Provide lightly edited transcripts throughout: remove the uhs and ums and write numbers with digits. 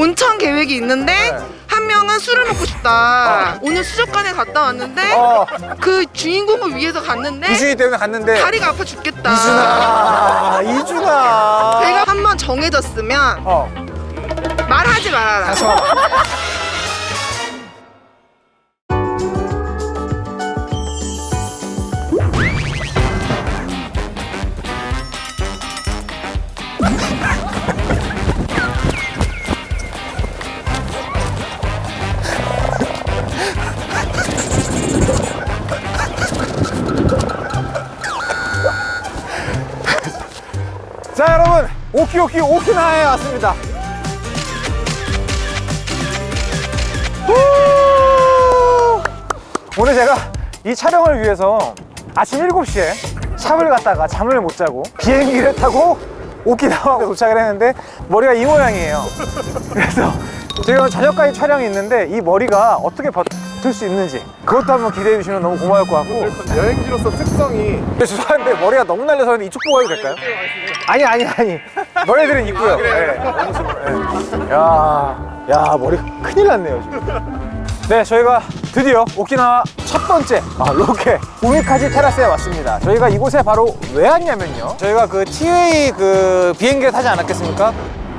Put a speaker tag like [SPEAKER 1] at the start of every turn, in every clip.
[SPEAKER 1] 온천 계획이 있는데
[SPEAKER 2] 네.
[SPEAKER 1] 한 명은 술을 먹고 싶다. 오늘 수족관에 갔다 왔는데 그 주인공을 위해서 갔는데
[SPEAKER 2] 이준이 때문에 갔는데
[SPEAKER 1] 다리가 아파 죽겠다.
[SPEAKER 2] 이준아
[SPEAKER 1] 제가 한번 정해졌으면 말하지 말아라.
[SPEAKER 2] 자 여러분 오키나와에 왔습니다. 오늘 제가 이 촬영을 위해서 아침 7시에 샵을 갔다가 잠을 못 자고 비행기를 타고 오키나와에 도착을 했는데 머리가 이 모양이에요. 그래서 저희가 저녁까지 촬영이 있는데 이 머리가 어떻게 버틸 수 있는지 그것도 한번 기대해 주시면 너무 고마울 것 같고,
[SPEAKER 3] 여행지로서 특성이
[SPEAKER 2] 죄송한데 머리가 너무 날려서 이쪽 보고 가도 될까요? 아니 너희들은 있고요. 네. 야 머리가 큰일 났네요 지금. 네, 저희가 드디어 오키나와 첫 번째 로케 우미카지 테라스에 왔습니다. 저희가 이곳에 바로 왜 왔냐면요, 저희가 그 티웨이 그 비행기를 타지 않았겠습니까?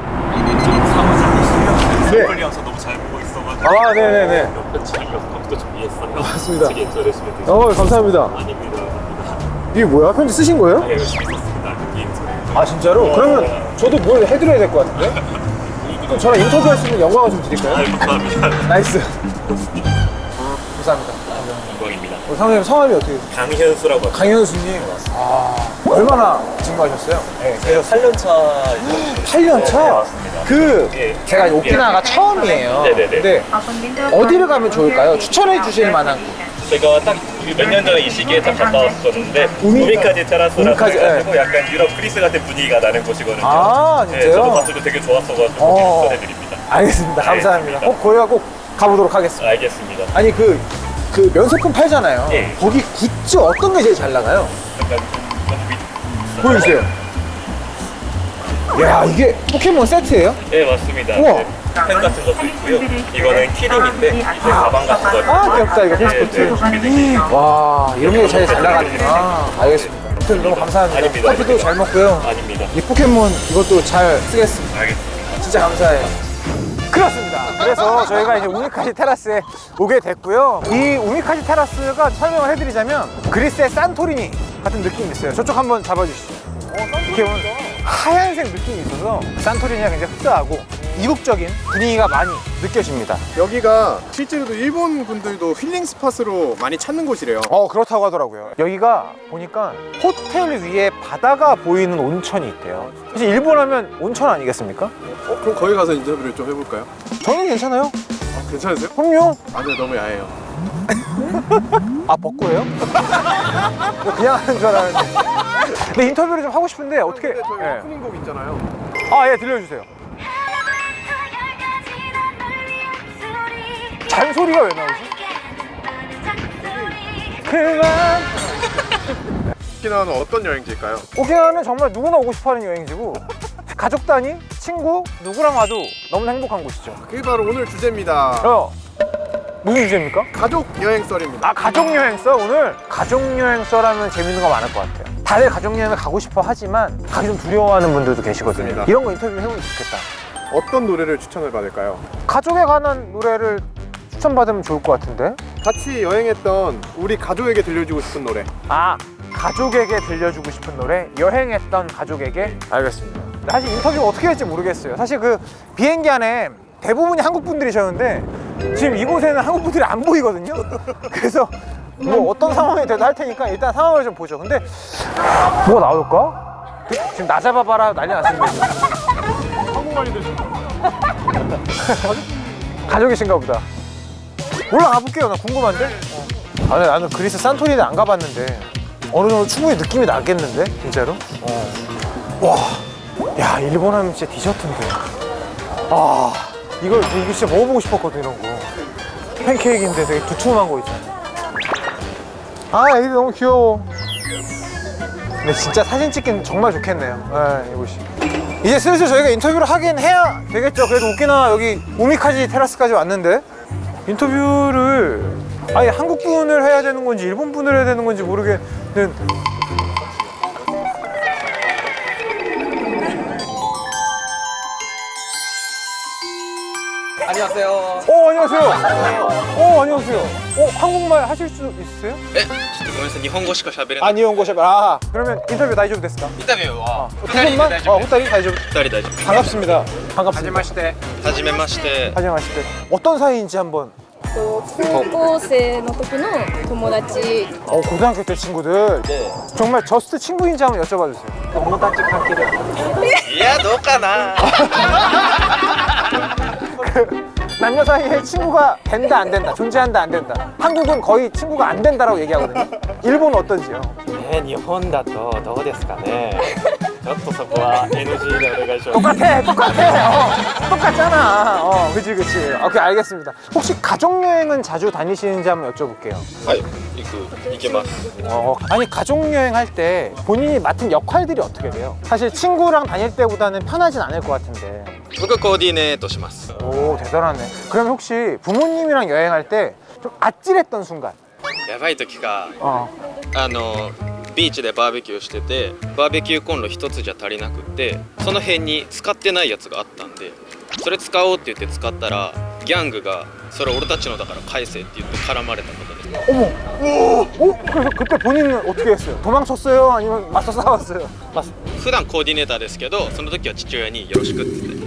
[SPEAKER 4] 네. 폴리아서 너무 잘 보고 있어가지고.
[SPEAKER 2] 네네네.
[SPEAKER 4] 옆에 책이어서 편지도 준비했어요.
[SPEAKER 2] 맞습니다.
[SPEAKER 4] 책에 인터내시면 되죠.
[SPEAKER 2] 감사합니다.
[SPEAKER 4] 아닙니다.
[SPEAKER 2] 이게 뭐야? 편지 쓰신 거예요?
[SPEAKER 4] 네, 열심히 썼습니다. 인터넷.
[SPEAKER 2] 아 진짜로? 그러면 저도 뭘 해드려야 될 것 같은데? 그럼 저랑 인터뷰할 수 있는 영광을 좀 드릴까요?
[SPEAKER 4] 감사합니다.
[SPEAKER 2] 나이스. 감사합니다.
[SPEAKER 4] 영광입니다.
[SPEAKER 2] 선생님 성함이 어떻게 되세요?
[SPEAKER 4] 강현수라고 합니다.
[SPEAKER 2] 강현수님. 얼마나 증거하셨어요? 네,
[SPEAKER 4] 제가 8년 차.
[SPEAKER 2] 8년 차?
[SPEAKER 4] 네, 맞습니다.
[SPEAKER 2] 제가 오키나와가 처음이에요.
[SPEAKER 4] 네네네.
[SPEAKER 2] 근데 어디를 가면 좋을까요? 추천해 주실 만한 곳.
[SPEAKER 4] 제가 딱 몇 년 전에 이 시기에 딱 갔다 왔었는데 우미카지 테라스라고
[SPEAKER 2] 우미카지,
[SPEAKER 4] 해가지고 약간 유럽 그리스 같은 분위기가 나는 곳이거든요.
[SPEAKER 2] 아, 진짜요?
[SPEAKER 4] 네, 저도 봤을 때 되게 좋았어가지고 추천해드립니다.
[SPEAKER 2] 알겠습니다. 감사합니다. 거기가 꼭 가보도록 하겠습니다.
[SPEAKER 4] 알겠습니다.
[SPEAKER 2] 아니 그 면세품 팔잖아요.
[SPEAKER 4] 예.
[SPEAKER 2] 거기 굿즈 어떤 게 제일 잘 나가요?
[SPEAKER 4] 약간
[SPEAKER 2] 보여주세요. 야, 이게 포켓몬 세트예요?
[SPEAKER 4] 네, 맞습니다.
[SPEAKER 2] 우와.
[SPEAKER 4] 네, 펜 같은 것도 있고요. 이거는 키링인데 이제 가방 같은 거.
[SPEAKER 2] 아, 귀엽다. 이거 페스코트.
[SPEAKER 4] 준비되어
[SPEAKER 2] 와, 이런 게 제일 잘 나가는구나. 알겠습니다. 아무튼 너무 감사합니다.
[SPEAKER 4] 아닙니다.
[SPEAKER 2] 커피도 잘 먹고요.
[SPEAKER 4] 아닙니다.
[SPEAKER 2] 이 포켓몬 이것도 잘 쓰겠습니다.
[SPEAKER 4] 알겠습니다.
[SPEAKER 2] 진짜 감사해요. 그렇습니다. 그래서 저희가 이제 우미카지 테라스에 오게 됐고요. 이 우미카지 테라스가 설명을 해드리자면 그리스의 산토리니 같은 느낌이 있어요. 저쪽 한번 잡아주시죠. 이렇게 보면 하얀색 느낌이 있어서 산토리니가 굉장히 흡사하고 이국적인 분위기가 많이 느껴집니다.
[SPEAKER 3] 여기가 실제로도 일본 분들도 힐링 스팟으로 많이 찾는 곳이래요.
[SPEAKER 2] 그렇다고 하더라고요. 여기가 보니까 호텔 위에 바다가 보이는 온천이 있대요. 사실 일본 하면 온천 아니겠습니까?
[SPEAKER 3] 그럼 거기 가서 인터뷰를 좀 해볼까요?
[SPEAKER 2] 저는 괜찮아요.
[SPEAKER 3] 괜찮으세요?
[SPEAKER 2] 그럼요.
[SPEAKER 3] 아니요, 너무 야해요.
[SPEAKER 2] 아, 벚고예요? 그냥 하는 줄 알았는데. 근데 인터뷰를 좀 하고 싶은데 어떻게?
[SPEAKER 3] 근데 저희
[SPEAKER 2] 예.
[SPEAKER 3] 오프닝 곡 있잖아요.
[SPEAKER 2] 예, 들려주세요. 잔소리가 왜 나오지? 그만.
[SPEAKER 3] 오키나와는 어떤 여행지일까요?
[SPEAKER 2] 오키나와는 정말 누구나 오고 싶어하는 여행지고 가족 단위, 친구 누구랑 와도 너무 행복한 곳이죠.
[SPEAKER 3] 그게 바로 오늘 주제입니다.
[SPEAKER 2] 무슨 주제입니까?
[SPEAKER 3] 가족 여행 썰입니다.
[SPEAKER 2] 가족여행서. 오늘 가족여행서라면 재밌는 거 많을 것 같아요. 다들 가족여행을 가고 싶어 하지만 가기 좀 두려워하는 분들도 계시거든요.
[SPEAKER 3] 맞습니다.
[SPEAKER 2] 이런 거 인터뷰 해보면 좋겠다.
[SPEAKER 3] 어떤 노래를 추천을 받을까요?
[SPEAKER 2] 가족에 관한 노래를 추천받으면 좋을 것 같은데.
[SPEAKER 3] 같이 여행했던 우리 가족에게 들려주고 싶은 노래.
[SPEAKER 2] 가족에게 들려주고 싶은 노래. 여행했던 가족에게. 알겠습니다. 사실 인터뷰 어떻게 할지 모르겠어요. 사실 그 비행기 안에 대부분이 한국 분들이셨는데 지금 이곳에는 한국 분들이 안 보이거든요. 그래서 뭐 어떤 상황이 돼도 할 테니까 일단 상황을 좀 보죠. 근데 뭐가 나올까? 지금 나 잡아봐라 난리 났습니다.
[SPEAKER 3] 한국말이 되시나요?
[SPEAKER 2] 가족이신가 보다. 올라가 볼게요. 나 궁금한데. 나는 그리스 산토리니 안 가봤는데 어느 정도 충분히 느낌이 나겠는데 진짜로. 와, 야, 일본 하면 진짜 디저트인데. 이거 진짜 먹어보고 싶었거든. 이런 거 팬케이크인데 되게 두툼한 거 있잖아. 애기 너무 귀여워. 근데 진짜 사진 찍기는 정말 좋겠네요. 이곳이. 이제 슬슬 저희가 인터뷰를 하긴 해야 되겠죠. 그래도 오키나와 여기 우미카지 테라스까지 왔는데 인터뷰를 아예 한국 분을 해야 되는 건지 일본 분을 해야 되는 건지 모르겠는.
[SPEAKER 5] 안녕하세요.
[SPEAKER 2] 안녕하세요. 안녕하세요. 한국말 하실 수 있으세요?
[SPEAKER 4] ごめんなさい、日本語しか喋れない。
[SPEAKER 2] 니혼고샵. 그러면 인터뷰 다이조브 됐을까?
[SPEAKER 4] インタビューは
[SPEAKER 2] 두 분만? 호타리 다이조브.
[SPEAKER 4] 2人大丈夫。
[SPEAKER 2] 반갑습니다. 반갑습니다.
[SPEAKER 4] はじめまして。
[SPEAKER 2] 하지마시대. 어떤 사이인지 한번.
[SPEAKER 6] 高校生の時の友達
[SPEAKER 2] 고등학교 때 친구들. 정말 저스트 친구인지 한번 여쭤봐 주세요.
[SPEAKER 4] いや、どうかな。
[SPEAKER 2] 남녀 사이에 친구가 된다 안 된다, 존재한다 안 된다. 한국은 거의 친구가 안 된다라고 얘기하거든요. 일본은 어떤지요?
[SPEAKER 5] 日本だとどうですかね。ちょっとそこは NG でお願いします。
[SPEAKER 2] 똑같아. 똑같잖아. 그치. 오케이, 알겠습니다. 혹시 가족여행은 자주 다니시는지 한번 여쭤볼게요.
[SPEAKER 4] はい、行けます。
[SPEAKER 2] 아니, 가족여행 할 때 본인이 맡은 역할들이 어떻게 돼요? 사실 친구랑 다닐 때보다는 편하진 않을 것 같은데.
[SPEAKER 4] 僕コーディネートします。
[SPEAKER 2] 오, 대단하네. 그럼 혹시 부모님이랑 여행할 때 좀 아찔했던 순간?
[SPEAKER 4] やばい時が
[SPEAKER 2] 어.
[SPEAKER 4] ビーチでバーベキューしてて、バーベキューコンロ一つじゃ足りなくって、その辺に使ってないやつがあったんで、それ使おうって言って使ったらギャングがそれ俺たちのだから返せって言って絡まれたことです。
[SPEAKER 2] 어머! 그래서 그때 본인은 어떻게 했어요? 도망쳤어요? 아니면 맞서 싸웠어요?
[SPEAKER 4] 普段コーディネーターですけど、その時は父親によろしくって言って。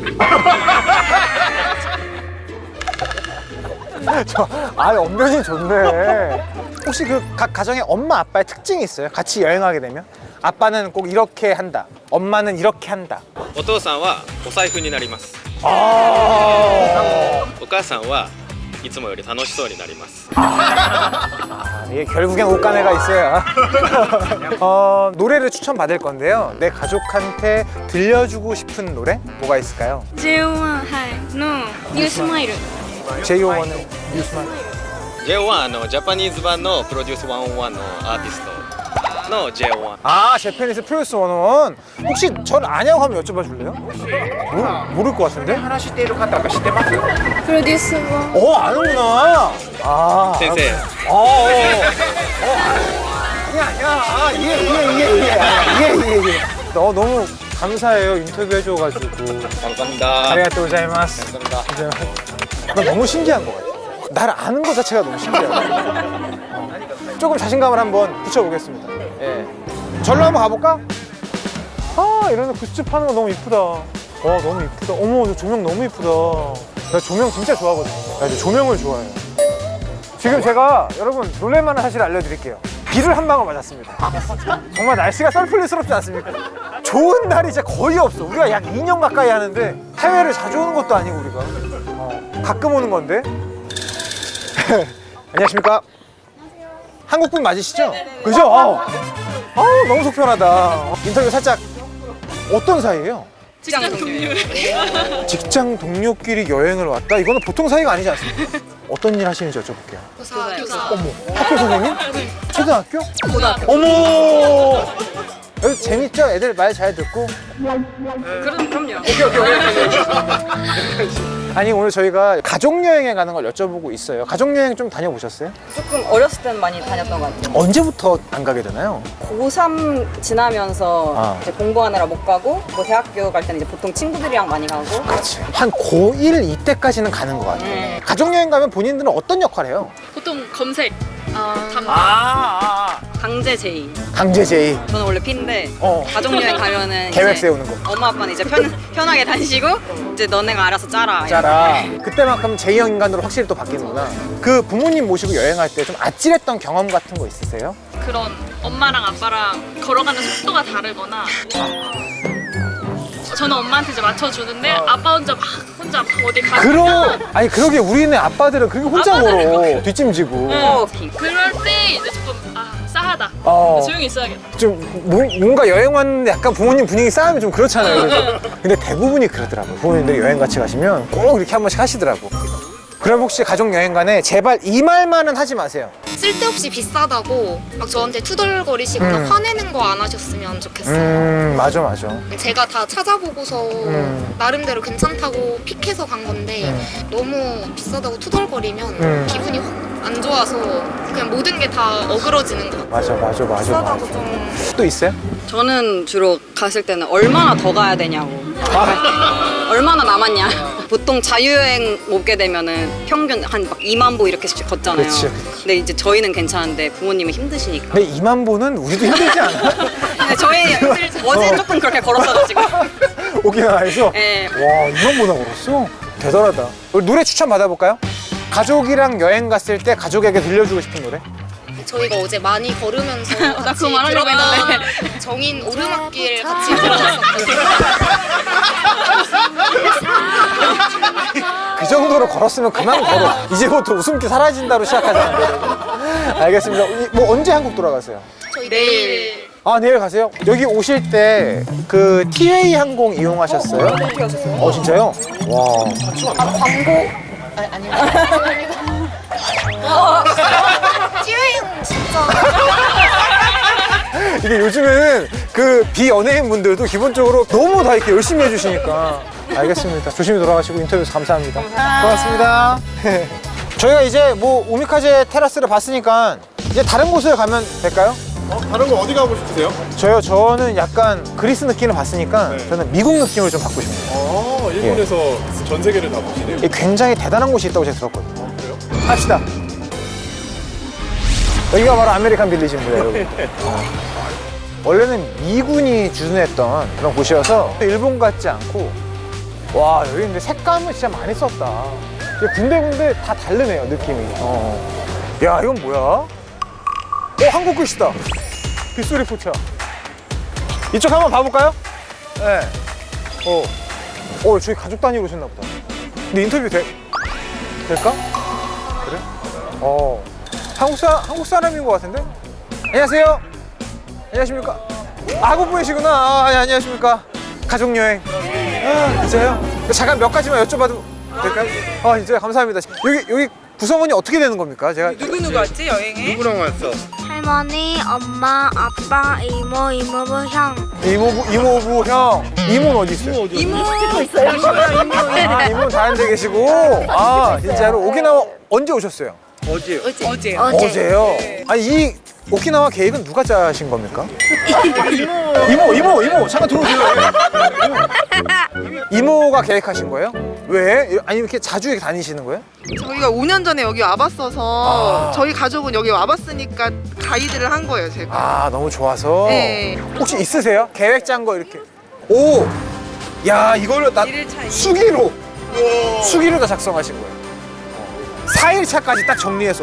[SPEAKER 2] 언변이 좋네. 혹시 그 각 가정의 엄마 아빠의 특징이 있어요? 같이 여행하게 되면? 아빠는 꼭 이렇게 한다. 엄마는 이렇게 한다.
[SPEAKER 4] お父さんはお財布になります。
[SPEAKER 2] 아,
[SPEAKER 4] お母さんはいつもより楽しそうになります。
[SPEAKER 2] 이게 결국엔 옷가네가 있어요. 노래를 추천받을 건데요. 내 가족한테 들려주고 싶은 노래? 뭐가 있을까요?
[SPEAKER 6] JO1 のニュースマイル
[SPEAKER 2] JO1의 뉴스만.
[SPEAKER 4] J1 ジャパニーズ版のプロデュース101のアーティストの J1。
[SPEAKER 2] 아, 제페니스 프로듀스 101. 혹시 전 아냐고 하면 여쭤봐 줄래요? 모를 것 같은데?
[SPEAKER 6] プロデュースは
[SPEAKER 2] 아는구나. 아,
[SPEAKER 4] 先生、
[SPEAKER 2] 예. 너무 감사해요. 인터뷰 해줘가지고.
[SPEAKER 4] 감사합니다.
[SPEAKER 2] 아리가또 고자이마스. 나 너무 신기한 것 같아. 나를 아는 것 자체가 너무 신기하다. 조금 자신감을 한번 붙여보겠습니다. 예. 절로 한번 가볼까? 아, 이런 굿즈 파는 거 너무 이쁘다. 너무 이쁘다. 어머, 저 조명 너무 이쁘다. 나 조명 진짜 좋아하거든요. 나 이제 조명을 좋아해요. 지금 제가 여러분 놀랄만한 사실을 알려드릴게요. 비를 한 방울 맞았습니다. 정말 날씨가 썰풀리스럽지 않습니까? 좋은 날이 진짜 거의 없어. 우리가 약 2년 가까이 하는데 해외를 자주 오는 것도 아니고 우리가 가끔 오는 건데. 안녕하십니까? 한국분 맞으시죠? 그죠? 너무 속편하다. 인터뷰 살짝. 어떤 사이예요? 직장 동료끼리 여행을 왔다? 이거는 보통 사이가 아니지 않습니까? 어떤 일 하시는지 여쭤볼게요. 어머, 학교 선생님? 초등학교? 고등학교. 어머! 여기 재밌죠? 애들 말 잘 듣고?
[SPEAKER 6] 그럼요.
[SPEAKER 2] 아니, 오늘 저희가 가족여행에 가는 걸 여쭤보고 있어요. 가족여행 좀 다녀보셨어요?
[SPEAKER 7] 조금 어렸을 땐 많이 다녔던 것 같아요.
[SPEAKER 2] 언제부터 안 가게 되나요?
[SPEAKER 7] 고3 지나면서
[SPEAKER 2] 아.
[SPEAKER 7] 이제 공부하느라 못 가고 뭐 대학교 갈 때는 이제 보통 친구들이랑 많이 가고
[SPEAKER 2] 그렇지. 한 고1 이때까지는 가는 것 같아요. 가족여행 가면 본인들은 어떤 역할 해요?
[SPEAKER 6] 보통 검색
[SPEAKER 7] 강제 제의.
[SPEAKER 2] 강제 제의.
[SPEAKER 7] 저는 원래 P인데 가족여행 가면은
[SPEAKER 2] 계획
[SPEAKER 7] 이제
[SPEAKER 2] 세우는 거.
[SPEAKER 7] 엄마 아빠는 이제 편하게 다니시고 이제 너네가 알아서 짜라.
[SPEAKER 2] 짜라. 그때만큼 제형 인간으로 확실히 또 바뀌는구나. 그 부모님 모시고 여행할 때 좀 아찔했던 경험 같은 거 있으세요?
[SPEAKER 8] 그런 엄마랑 아빠랑 걸어가는 속도가 다르거나 저는 엄마한테 이제 맞춰주는데 아빠 혼자 막 어디 가면
[SPEAKER 2] 아니 그러게 우리네 아빠들은 그렇게 혼자
[SPEAKER 8] 아빠들은
[SPEAKER 2] 걸어. 뒷짐지고.
[SPEAKER 8] 그럴 때 이제 조금 싸하다 조용히 있어야겠다
[SPEAKER 2] 좀 뭔가 여행 왔는데 약간 부모님 분위기 싸우면 좀 그렇잖아요. 그래서. 근데 대부분이 그러더라고요. 부모님들이 여행 같이 가시면 꼭 이렇게 한 번씩 하시더라고. 그럼 혹시 가족 여행 간에 제발 이 말만은 하지 마세요.
[SPEAKER 6] 쓸데없이 비싸다고 막 저한테 투덜거리시거나 화내는 거 안 하셨으면 좋겠어요.
[SPEAKER 2] 맞아 맞아.
[SPEAKER 6] 제가 다 찾아보고서 나름대로 괜찮다고 픽해서 간 건데 너무 비싸다고 투덜거리면 기분이 확 안 좋아서 그냥 모든 게 다 어그러지는 것 같아요.
[SPEAKER 2] 맞아.
[SPEAKER 6] 비싸다고 좀
[SPEAKER 2] 또 있어요?
[SPEAKER 7] 저는 주로 갔을 때는 얼마나 더 가야 되냐고. 얼마나 남았냐. 보통 자유여행 오게 되면은 평균 한 막 2만 보 이렇게 걷잖아요.
[SPEAKER 2] 그치.
[SPEAKER 7] 근데 이제 저희는 괜찮은데 부모님은 힘드시니까.
[SPEAKER 2] 근데 2만 보는 우리도 힘들지 않아?
[SPEAKER 7] 근데 저희 어제 조금 그렇게 걸었어가지고.
[SPEAKER 2] 오키나와에서?
[SPEAKER 7] 네.
[SPEAKER 2] 와 2만 보나 걸었어? 대단하다. 우리 노래 추천 받아볼까요? 가족이랑 여행 갔을 때 가족에게 들려주고 싶은 노래?
[SPEAKER 6] 저희가 어제 많이 걸으면서
[SPEAKER 7] 나
[SPEAKER 6] 같이
[SPEAKER 7] 그거 말하려고
[SPEAKER 6] 들었던 정인 오르막길 같이 들어갔었거든요.
[SPEAKER 2] 그 정도로 걸었으면 그만 걸어. 이제부터 웃음기 사라진다로 시작하자. 알겠습니다. 뭐 언제 한국 돌아가세요?
[SPEAKER 6] 저희 내일
[SPEAKER 2] 아 내일 가세요? 여기 오실 때 그 TA 항공 이용하셨어요? 네, 하셨어요. 진짜요? 와.
[SPEAKER 6] 찌웨이는 진짜
[SPEAKER 2] 이게 요즘에는 그 비연예인 분들도 기본적으로 너무 다 이렇게 열심히 해주시니까. 알겠습니다. 조심히 돌아가시고 인터뷰 감사합니다. 고맙습니다. 저희가 이제 뭐 오미카제 테라스를 봤으니까 이제 다른 곳을 가면 될까요?
[SPEAKER 3] 다른 거 어디 가고 싶으세요?
[SPEAKER 2] 저는 약간 그리스 느낌을 봤으니까
[SPEAKER 3] 네.
[SPEAKER 2] 저는 미국 느낌을 좀 받고 싶네요.
[SPEAKER 3] 일본에서 전 세계를 다 보시네요.
[SPEAKER 2] 이게 굉장히 대단한 곳이 있다고 제가 들었거든요.
[SPEAKER 3] 그래요?
[SPEAKER 2] 갑시다. 여기가 바로 아메리칸 빌리지입니다, 여러분. 원래는 미군이 주둔했던 그런 곳이어서 일본 같지 않고, 와 여기 근데 색감을 진짜 많이 썼다. 이게 군데군데 다 다르네요, 느낌이. 야 이건 뭐야? 한국 글씨다. 빗소리 포차. 이쪽 한번 봐볼까요? 네. 저희 가족 단위로 오셨나 보다. 근데 인터뷰 될까? 그래? 한국 사람인 것 같은데? 안녕하세요. 안녕하십니까? 한국 분이시구나. 네, 안녕하십니까? 가족여행. 진짜요? 잠깐 몇 가지만 여쭤봐도 될까요? 진짜요? 감사합니다. 여기 구성원이 어떻게 되는 겁니까? 제가
[SPEAKER 1] 누구 왔지 여행에?
[SPEAKER 3] 누구랑 왔어?
[SPEAKER 6] 할머니, 엄마, 아빠, 이모, 이모부, 형.
[SPEAKER 2] 이모부 형. 이모는 어디 있어요?
[SPEAKER 1] 이모 있어요.
[SPEAKER 2] 이모는 다른 데 계시고. 진짜로 오키나와 언제 오셨어요?
[SPEAKER 1] 어제.
[SPEAKER 2] 어제요? 아니 이 오키나와 계획은 누가 짜신 겁니까? 이모 잠깐 들어오세요. 이모가 계획하신 거예요? 왜? 아니 이렇게 자주 이렇게 다니시는 거예요?
[SPEAKER 1] 저희가 5년 전에 여기 와봤어서 저희 가족은 여기 와봤으니까 가이드를 한 거예요 제가.
[SPEAKER 2] 너무 좋아서.
[SPEAKER 1] 네.
[SPEAKER 2] 혹시 있으세요? 계획 짠 거 이렇게. 야 이걸로 나 수기로 다 작성하신 거예요. 4일차까지 딱 정리해서.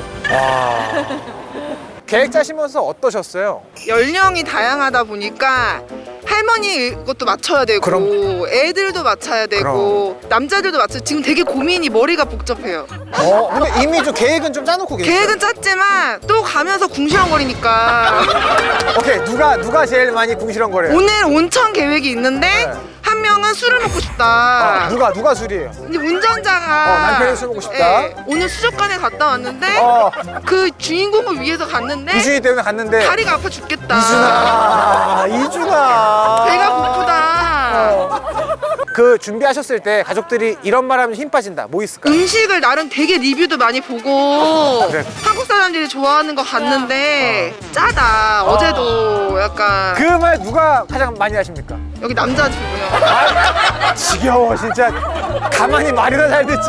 [SPEAKER 2] 계획 짜시면서 어떠셨어요?
[SPEAKER 1] 연령이 다양하다 보니까 할머니 것도 맞춰야 되고
[SPEAKER 2] 그럼.
[SPEAKER 1] 애들도 맞춰야 되고 남자들도 맞춰. 지금 되게 고민이 머리가 복잡해요.
[SPEAKER 2] 근데 이미 좀 계획은 좀 짜놓고 계세요?
[SPEAKER 1] 계획은 짰지만 또 가면서 궁시렁거리니까
[SPEAKER 2] 오케이 누가 제일 많이 궁시렁거려요?
[SPEAKER 1] 오늘 온천 계획이 있는데
[SPEAKER 2] 네.
[SPEAKER 1] 한 명은 술을 먹고 싶다.
[SPEAKER 2] 누가 술이에요?
[SPEAKER 1] 이제 운전자가
[SPEAKER 2] 남편이 술 먹고 싶다.
[SPEAKER 1] 오늘 수족관에 갔다 왔는데 그 주인공을 위해서 갔는데
[SPEAKER 2] 이준이 때문에 갔는데
[SPEAKER 1] 다리가 아파 죽겠다.
[SPEAKER 2] 이준아
[SPEAKER 1] 배가 고프다.
[SPEAKER 2] 그 준비하셨을 때 가족들이 이런 말 하면 힘 빠진다. 뭐 있을까요?
[SPEAKER 1] 음식을 나름 되게 리뷰도 많이 보고
[SPEAKER 2] 그래.
[SPEAKER 1] 한국 사람들이 좋아하는 거 갔는데 짜다. 어제도 약간
[SPEAKER 2] 그 말 누가 가장 많이 하십니까?
[SPEAKER 1] 여기 남자 주고요.
[SPEAKER 2] 지겨워 진짜. 가만히 말이나 잘 듣지.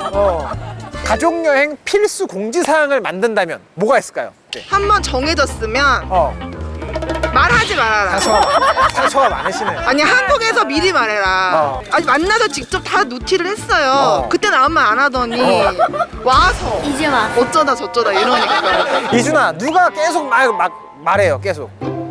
[SPEAKER 2] 가족여행 필수 공지사항을 만든다면 뭐가 있을까요? 네.
[SPEAKER 1] 한번 정해졌으면 말하지 말아라.
[SPEAKER 2] 상처가 많으시네.
[SPEAKER 1] 아니 한국에서 미리 말해라. 아니 만나서 직접 다 노티를 했어요. 그때는 아무 말 안 하더니 와서
[SPEAKER 6] 이제 와.
[SPEAKER 1] 어쩌다 저쩌다 이러니까.
[SPEAKER 2] 이준아 누가 계속 말해요 계속.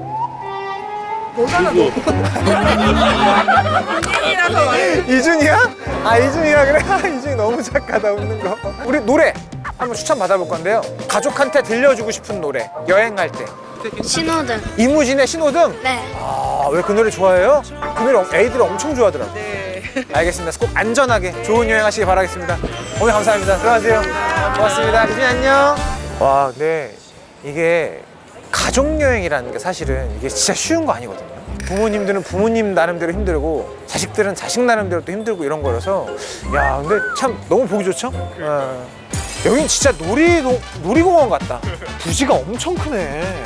[SPEAKER 2] 이준이야? 이준이야 그래? 이준이 너무 착하다 웃는 거. 우리 노래 한번 추천 받아볼 건데요. 가족한테 들려주고 싶은 노래 여행할 때.
[SPEAKER 6] 신호등.
[SPEAKER 2] 이무진의 신호등?
[SPEAKER 6] 네.
[SPEAKER 2] 왜 그 노래 좋아해요? 그 노래 애들이 엄청 좋아하더라고요.
[SPEAKER 1] 네.
[SPEAKER 2] 알겠습니다. 꼭 안전하게 좋은 여행 하시기 바라겠습니다. 오늘 감사합니다. 들어가세요. 고맙습니다. 이준이 안녕. 와, 근데 이게 가족여행이라는 게 사실은 이게 진짜 쉬운 거 아니거든요. 부모님들은 부모님 나름대로 힘들고 자식들은 자식 나름대로 또 힘들고 이런 거라서 야, 근데 참 너무 보기 좋죠? 여긴 진짜 놀이공원 같다. 부지가 엄청 크네.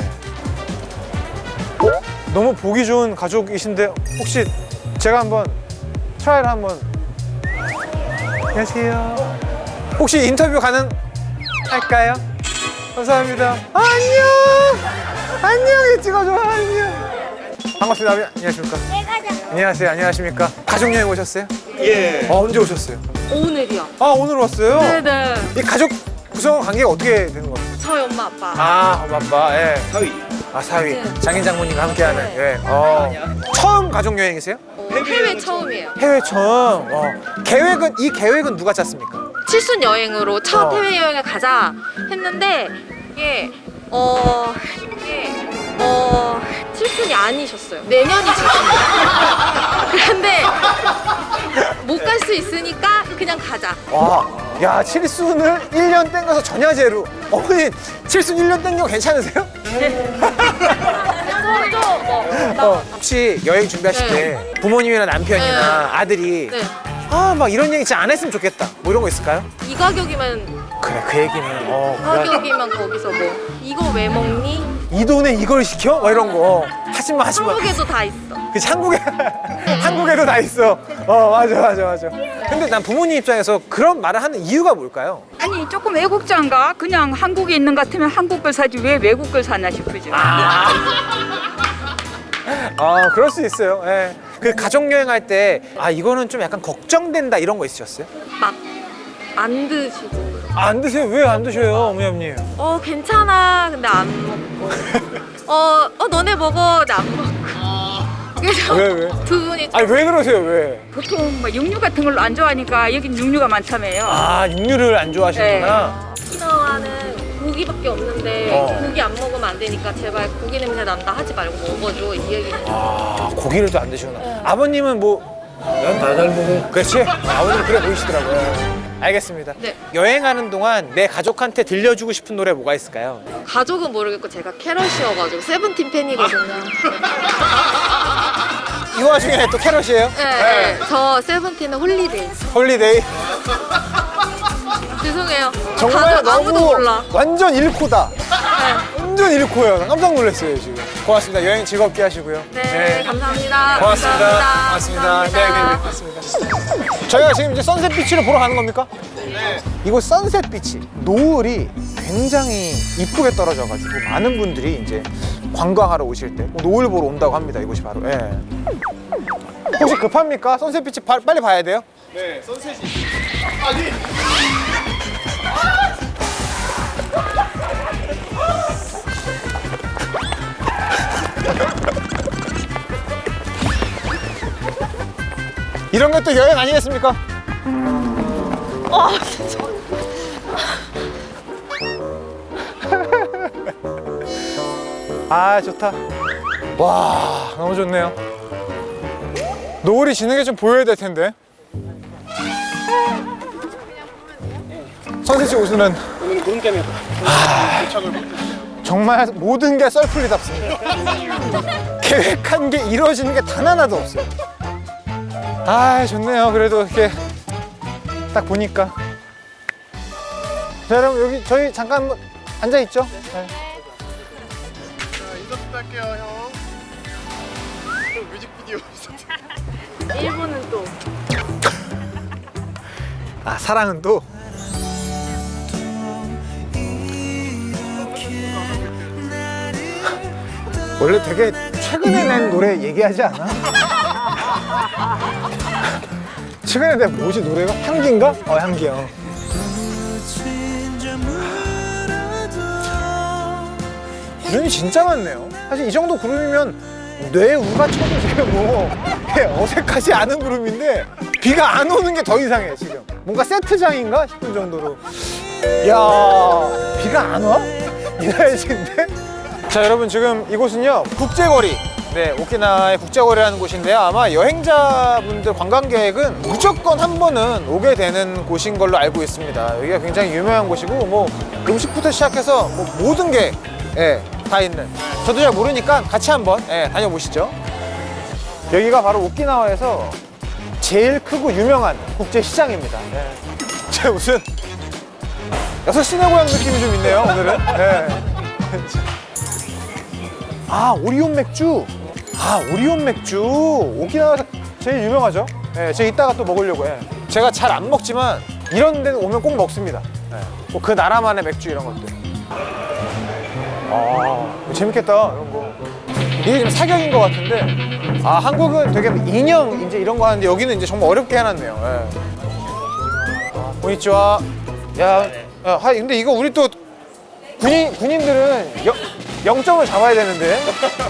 [SPEAKER 2] 너무 보기 좋은 가족이신데 혹시 제가 한번 트라이를 한번. 안녕하세요. 혹시 인터뷰 가능할까요? 감사합니다. 안녕. 찍어줘. 안녕. 반갑습니다. 안녕하십니까? 안녕하세요. 안녕하십니까? 가족여행 오셨어요?
[SPEAKER 5] 예.
[SPEAKER 2] 언제 오셨어요?
[SPEAKER 6] 오늘이요.
[SPEAKER 2] 오늘 왔어요?
[SPEAKER 6] 네네.
[SPEAKER 2] 이 가족 구성 관계가 어떻게 되는 거예요?
[SPEAKER 6] 저희 엄마 아빠.
[SPEAKER 2] 엄마 아빠. 예. 사위.
[SPEAKER 6] 네.
[SPEAKER 2] 장인 장모님과 함께하는. 예. 처음 가족여행이세요?
[SPEAKER 6] 해외 처음이에요.
[SPEAKER 2] 해외 처음. 이 계획은 누가 짰습니까?
[SPEAKER 6] 칠순 여행으로 첫 해외 여행을 가자 했는데 이게 칠순이 아니셨어요. 내년이 칠순이에요. 그런데 못 갈 수 있으니까 그냥 가자.
[SPEAKER 2] 야, 칠순을 1년 땡겨서 전야제로. 어머니, 칠순 1년 땡겨 괜찮으세요? 혹시 여행 준비하실 때 부모님이나 남편이나 아들이
[SPEAKER 6] 네.
[SPEAKER 2] 막 이런 얘기 진짜 안 했으면 좋겠다. 뭐 이런 거 있을까요?
[SPEAKER 6] 이 가격이면
[SPEAKER 2] 그래, 그 얘기는.
[SPEAKER 6] 가격이면 거기서 뭐 이거 왜 먹니?
[SPEAKER 2] 이 돈에 이걸 시켜? 막 이런 거. 하지 마.
[SPEAKER 6] 한국에도 다 있어.
[SPEAKER 2] 그치, 한국에도 다 있어. 맞아. 근데 난 부모님 입장에서 그런 말을 하는 이유가 뭘까요?
[SPEAKER 9] 아니 조금 애국자인가? 그냥 한국에 있는 것 같으면 한국 걸 사지 왜 외국 걸 사나 싶으죠.
[SPEAKER 2] 그럴 수 있어요. 예. 그 가족여행 할 때 이거는 좀 약간 걱정된다 이런 거 있으셨어요?
[SPEAKER 6] 막 안 드시고.
[SPEAKER 2] 안 드세요? 왜 안 드셔요, 어머님?
[SPEAKER 6] 괜찮아. 근데 안 먹고. 너네 먹어. 근데 안 먹고. 그래서
[SPEAKER 2] 왜?
[SPEAKER 6] 두 분이
[SPEAKER 2] 왜 그러세요, 왜?
[SPEAKER 9] 보통 막 육류 같은 걸로 안 좋아하니까 여긴 육류가 많다며요.
[SPEAKER 2] 육류를 안 좋아하시는구나.
[SPEAKER 6] 오키나와는 고기밖에 없는데 고기 안 먹으면 안 되니까 제발 고기 냄새 난다 하지 말고 먹어줘 이 얘기.
[SPEAKER 2] 고기를 또 안 드시구나. 아버님은 뭐? 난 다 잘 먹어. 그렇지? 아버님 그래 보이시더라고요. 알겠습니다.
[SPEAKER 6] 네.
[SPEAKER 2] 여행하는 동안 내 가족한테 들려주고 싶은 노래 뭐가 있을까요?
[SPEAKER 6] 가족은 모르겠고 제가 캐럿이어가지고 세븐틴 팬이거든요.
[SPEAKER 2] 이 와중에 또 캐럿이에요?
[SPEAKER 6] 네. 저 세븐틴은 홀리데이.
[SPEAKER 2] 홀리데이.
[SPEAKER 6] 죄송해요.
[SPEAKER 2] 정말
[SPEAKER 6] 가족 아무도
[SPEAKER 2] 너무
[SPEAKER 6] 몰라.
[SPEAKER 2] 완전 1코다.
[SPEAKER 6] 네.
[SPEAKER 2] 완전 1코예요. 난 깜짝 놀랐어요, 지금. 고맙습니다. 여행 즐겁게 하시고요.
[SPEAKER 6] 네, 감사합니다.
[SPEAKER 2] 고맙습니다.
[SPEAKER 6] 감사합니다.
[SPEAKER 2] 네, 고맙습니다. 저희가 지금 이제 선셋 비치를 보러 가는 겁니까? 네. 이곳 선셋 비치, 노을이 굉장히 이쁘게 떨어져가지고 많은 분들이 이제 관광하러 오실 때 노을 보러 온다고 합니다. 이곳이 바로. 예. 혹시 급합니까? 선셋 비치 빨리 봐야 돼요?
[SPEAKER 3] 네, 선셋이.
[SPEAKER 2] 이런 것도 여행 아니겠습니까?
[SPEAKER 6] 진짜.
[SPEAKER 2] 좋다. 와, 너무 좋네요. 노을이 지는 게 좀 보여야 될 텐데. 선셋이 오시는 정말 모든 게 썰풀리답습니다. 계획한 게 이루어지는 게 단 하나도 없어요. 좋네요. 그래도 이렇게 딱 보니까. 자, 여러분 여기 저희 잠깐 앉아 있죠? 네.
[SPEAKER 3] 인사 부탁할게요, 형. 또 뮤직비디오 있었죠.
[SPEAKER 6] 일본은 또.
[SPEAKER 2] 사랑은 또. 원래 되게 최근에 낸 노래 얘기하지 않아? 최근에 낸 뭐지 노래가? 향기인가? 향기요. 그룹이 진짜 많네요. 사실 이 정도 그룹이면 뇌우가 쳐도 지금 뭐 어색하지 않은 그룹인데 비가 안 오는 게 더 이상해 지금. 뭔가 세트장인가 싶은 정도로. 야, 비가 안 와? 이 날씨인데? 자, 여러분 지금 이곳은요 국제거리 네, 오키나와의 국제거래라는 곳인데요. 아마 여행자분들, 관광객은 무조건 한 번은 오게 되는 곳인 걸로 알고 있습니다. 여기가 굉장히 유명한 곳이고 뭐 음식부터 시작해서 뭐 모든 게 다 있는. 저도 잘 모르니까 같이 한번 다녀보시죠. 여기가 바로 오키나와에서 제일 크고 유명한 국제시장입니다. 제 무슨 6시내 고향 느낌이 좀 있네요, 오늘은. 아, 오리온 맥주. 아, 오리온 맥주. 오키나와에서 제일 유명하죠. 제가 이따가 또 먹으려고 해. 제가 잘 안 먹지만 이런 데는 오면 꼭 먹습니다. 뭐 그 나라만의 맥주 이런 것들. 아, 재밌겠다, 이런 거. 이게 지금 사격인 것 같은데, 아, 한국은 되게 인형 이제 이런 거 하는데 여기는 이제 정말 어렵게 해놨네요. 고니치와. 야, 근데 이거 우리 또 군인들은 0점을 잡아야 되는데.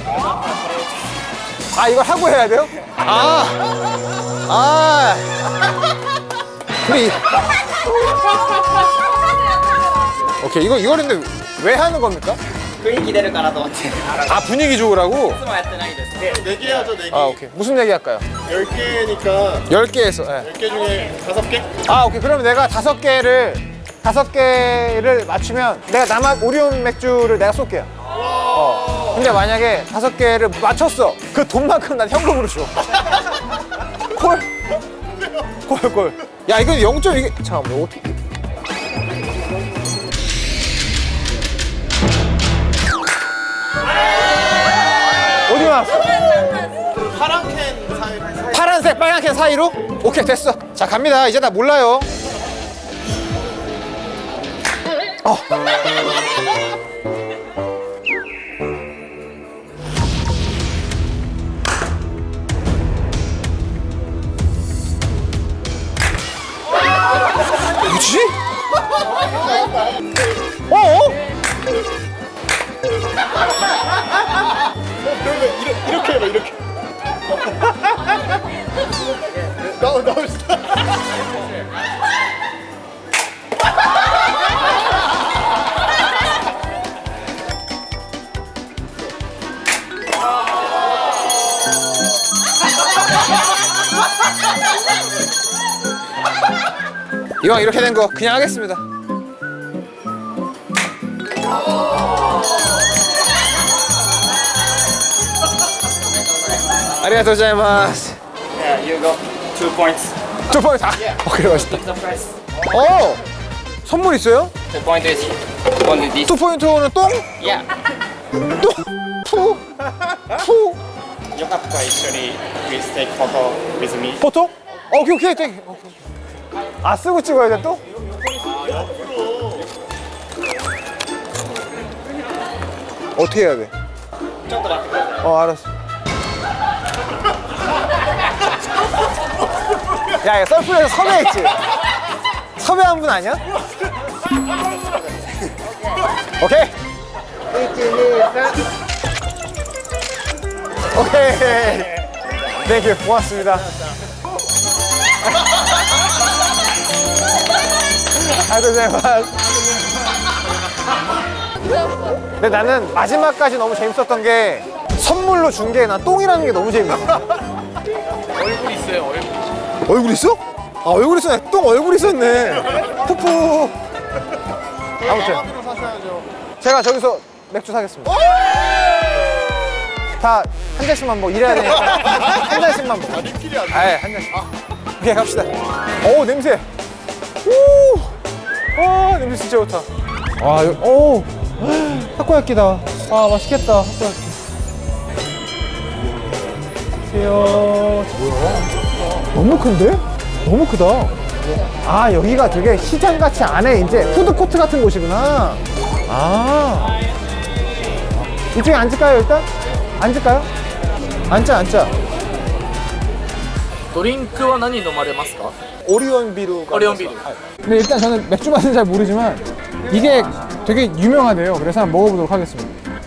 [SPEAKER 2] 아, 이걸 하고 해야 돼요? 우리. 오케이, 이거 근데 왜 하는 겁니까?
[SPEAKER 10] 분위기出るかなと思って
[SPEAKER 2] 아, 분위기 좋으라고?
[SPEAKER 10] いつもやってないです
[SPEAKER 3] 4개 하죠, 4개.
[SPEAKER 2] 아, 오케이. 무슨 얘기 할까요?
[SPEAKER 3] 10개니까
[SPEAKER 2] 10개에서.
[SPEAKER 3] 10개 중에 5개?
[SPEAKER 2] 아, 오케이. 그러면 내가 5개를 맞추면 내가 나만 오리온 맥주를 내가 쏠게요. 근데 만약에 5개를 맞췄어. 그 돈만큼 난 현금으로 줘. 콜. 야, 이거 0점 이게 잠깐만. 어떻게? 어디 나왔어? 파란색, 빨간 캔 사이로? 오케이, 됐어. 자, 갑니다. 이제 나 몰라요. 뭐지?
[SPEAKER 3] 이렇게 해봐, 이렇게. 나옵시다.
[SPEAKER 2] 이왕 이렇게 된 거 그냥 하겠습니다. 아리가토 고자이마스.
[SPEAKER 10] Yeah, you got 2 points
[SPEAKER 2] 2포인트. 오케이, 맛있다.
[SPEAKER 10] the price
[SPEAKER 2] 선물 있어요?
[SPEAKER 10] 2 point is only this
[SPEAKER 2] 2포인트는 똥?
[SPEAKER 10] yeah
[SPEAKER 2] 푸?
[SPEAKER 10] よかったら一緒に please take photo with me
[SPEAKER 2] 포토? 오케이, 땡. 아, 쓰고 찍어야 돼, 또? 어떻게 해야 돼?
[SPEAKER 10] ちょっと待ってください
[SPEAKER 2] 알았어. 야, 썰풀에서 섭외했지? 섭외한 분 아니야? 오케이. 1, 2, 3. 오케이. 네, 고맙습니다. 아이고자이마스. 근데 나는 마지막까지 너무 재밌었던 게 선물로 준 게 난 똥이라는 게 너무 재밌어.
[SPEAKER 3] 얼굴 있어요, 얼굴.
[SPEAKER 2] 얼굴 있어? 아, 얼굴 있어. 똥 얼굴 있었네. 푸푸. 아무튼
[SPEAKER 3] 마음대로 사셔야죠.
[SPEAKER 2] 제가 저기서 맥주 사겠습니다. 다 한 잔씩만 먹어. 이래야 되니까 한 잔씩만 먹어.
[SPEAKER 3] 리필이 안 돼.
[SPEAKER 2] 아예 한 잔씩. 오케이, 갑시다. 오, 냄새. 냄새 진짜 좋다. 타코야끼다. 아, 맛있겠다. 타코야끼. 안녕하세요. 뭐야? 너무 큰데? 너무 크다. 아, 여기가 되게 시장같이 안에 이제 푸드코트 같은 곳이구나. 아. 이쪽에 앉을까요, 일단? 앉을까요? 앉자.
[SPEAKER 11] ドリンクは何飲まれますか？
[SPEAKER 2] 오리온 비루.
[SPEAKER 11] 오리온 비루.
[SPEAKER 2] 근데 일단 저는 맥주 맛은 잘 모르지만 이게 되게 유명하대요. 그래서 한번 먹어보도록 하겠습니다.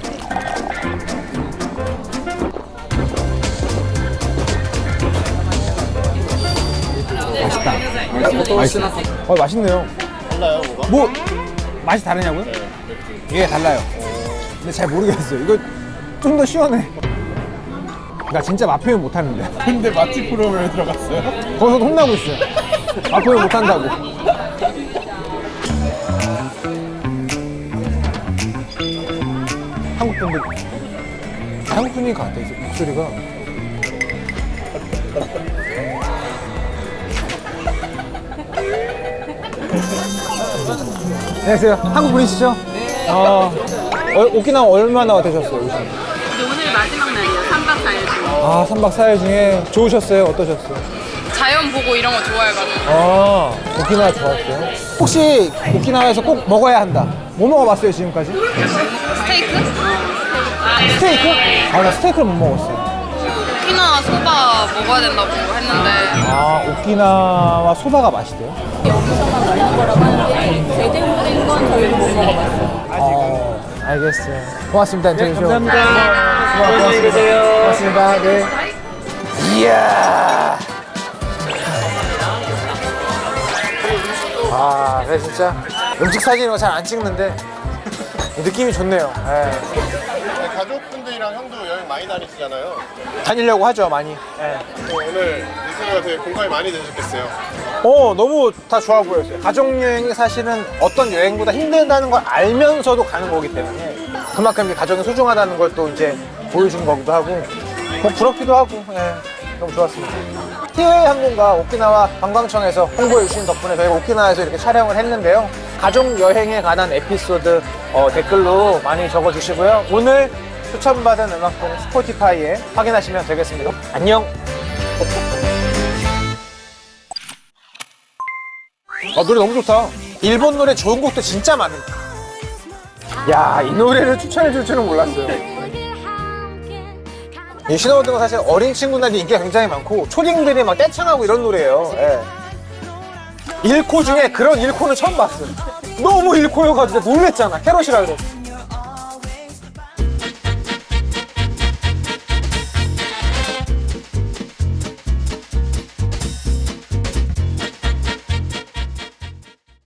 [SPEAKER 2] 맛있다. 맛있네요.
[SPEAKER 3] 달라요, 뭐가?
[SPEAKER 2] 뭐 맛이 다르냐고요? 이게 달라요. 근데 잘 모르겠어요. 이거 좀 더 시원해. 나 진짜 맛 표현 못하는데.
[SPEAKER 3] 근데 맛집 프로그램에 들어갔어요?
[SPEAKER 2] 거기서도 혼나고 있어요. 맛 표현 못한다고. 한국 분들, 한국 분인 것 같아, 목소리가. 안녕하세요. 한국 분이시죠? 네. 오키나와 얼마나 되셨어요, 오신?
[SPEAKER 7] 오늘 마지막 날이에요. 3박 4일 중에.
[SPEAKER 2] 아, 3박 4일 중에 좋으셨어요? 어떠셨어요?
[SPEAKER 7] 자연 보고 이런 거 좋아해가지고.
[SPEAKER 2] 아, 오키나와 좋았어요? 혹시 오키나와에서 꼭 먹어야 한다. 뭐 먹어봤어요, 지금까지?
[SPEAKER 7] 스테이크?
[SPEAKER 2] 스테이크? 아, 나 스테이크를 못 먹었어요.
[SPEAKER 7] 오키나와 소바 먹어야 된다고 했는데.
[SPEAKER 2] 아, 오키나와 소바가 맛있대요?
[SPEAKER 12] 여기서만 만난 거라고 하는데 제대로 된 건 저희도 못 먹어봤어요.
[SPEAKER 2] 알겠어요. 고맙습니다, 인터뷰.
[SPEAKER 5] 감사합니다.
[SPEAKER 2] 고맙습니다. 고맙습니다. 네. 이야. 아, 네, 진짜. 음식 사진 이런 거 잘 안 찍는데 느낌이 좋네요. 네.
[SPEAKER 3] 가족분들이랑 형도 여행 많이 다니시잖아요.
[SPEAKER 2] 다니려고 하죠, 많이. 네.
[SPEAKER 3] 오늘 인터뷰가 되게 공감이 많이 되셨겠어요.
[SPEAKER 2] 너무 다 좋아 보였어요. 가족여행이 사실은 어떤 여행보다 힘들다는 걸 알면서도 가는 거기 때문에 그만큼 이제 가족이 소중하다는 걸 또 이제 보여준 거기도 하고 뭐 부럽기도 하고 너무 좋았습니다. 티웨이 항공과 오키나와 관광청에서 홍보해 주신 덕분에 저희가 오키나와에서 이렇게 촬영을 했는데요. 가족 여행에 관한 에피소드 댓글로 많이 적어주시고요. 오늘 추천받은 음악동 스포티파이에 확인하시면 되겠습니다. 안녕. 노래 너무 좋다. 일본 노래 좋은 곡도 진짜 많은. 야, 이 노래를 추천해 줄 줄은 몰랐어요. 이 신호등은 사실 어린 친구들한테 인기가 굉장히 많고 초딩들이 막 떼창하고 이런 노래예요. 예. 1코 중에 그런 1코는 처음 봤어요. 너무 1코여가지고 놀랬잖아. 캐럿이라 그래서.